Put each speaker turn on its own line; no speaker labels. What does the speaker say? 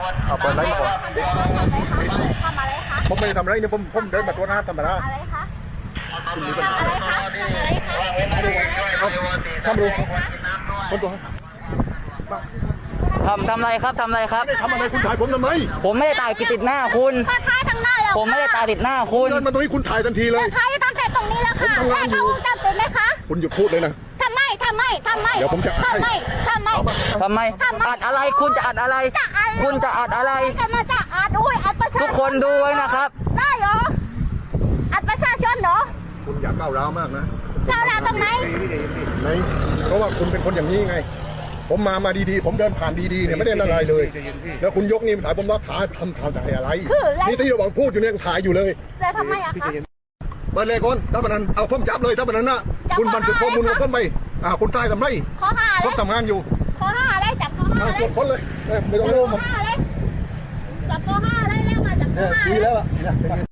เอาเปิดไลฟ์มาก่อน
ทำอะไรคะ
ผมไม่ได้ทำอะไรเนี่ยผมเดินมาตัวหน้าธรรมดา
อะไรคะ
คุณมีปัญหา
อะไรคะทำอะไรคะ
เอาทำดูคนตัว
ทำอะไรครับทำอะไรครับ
ไม่ได้ทำอะไรคุณถ่ายผมทำไม
ผมไม่ได้ตายติดหน้าคุณ
ก็ท้ายทางหน้าแล้ว
ผมไม่ได้ตายติดหน้าคุณ
เดินมาตรงนี้คุณถ่ายทันทีเลย
ท้ายตั้งแต่ตรงนี้แล้วค่ะแม่เขาวงจรปิดไหมคะ
คุณหยุดพูดเลยนะ
ทำไม
เดี๋ยวผมจะให้
ทำไม
ทำไมอัดอะไรคุณจะอัดอะไร คุณจะอัดอะไร
จะมาจะอัดอุ้ยอัดประชาชน
ทุกคนดูไว้นะครับ
ได้เหรออัดประชาชนเหรอ
คุณอย่าก้าวร้าวมากนะ
ก้าวร้าวตรงไหน
ไหนเพราะว่าคุณเป็นคนอย่างนี้ไง ผมมาดีๆผมเดินผ่านดีๆเนี่ยไม่ได้อะไรเลยแล้วคุณยกนี่มาถ่ายผมว่าถ่ายทำถ่ายอะไรนี่ที่เราบอกพูดอยู่เนี่ยถ่ายอยู่เลย
แต่ทำไมอะคะ
เปิดเลยคนถ้าบันนั้นเอาผมจับเลยถ้าบันนั้นนะคุณบันทึกข้อมูลของผมไปคุณตายทำไร
ข้อห้าอะไร
ผมทำงานอยู่
ข้อห้าอะไรจับข้อห้าอะไร
ตรวจค้นเลยไม่ต้องรู้
ข้อห้าอะไรจับข้อห้าอะไรแล้วมาจับข้อห้า
คุยแล้ว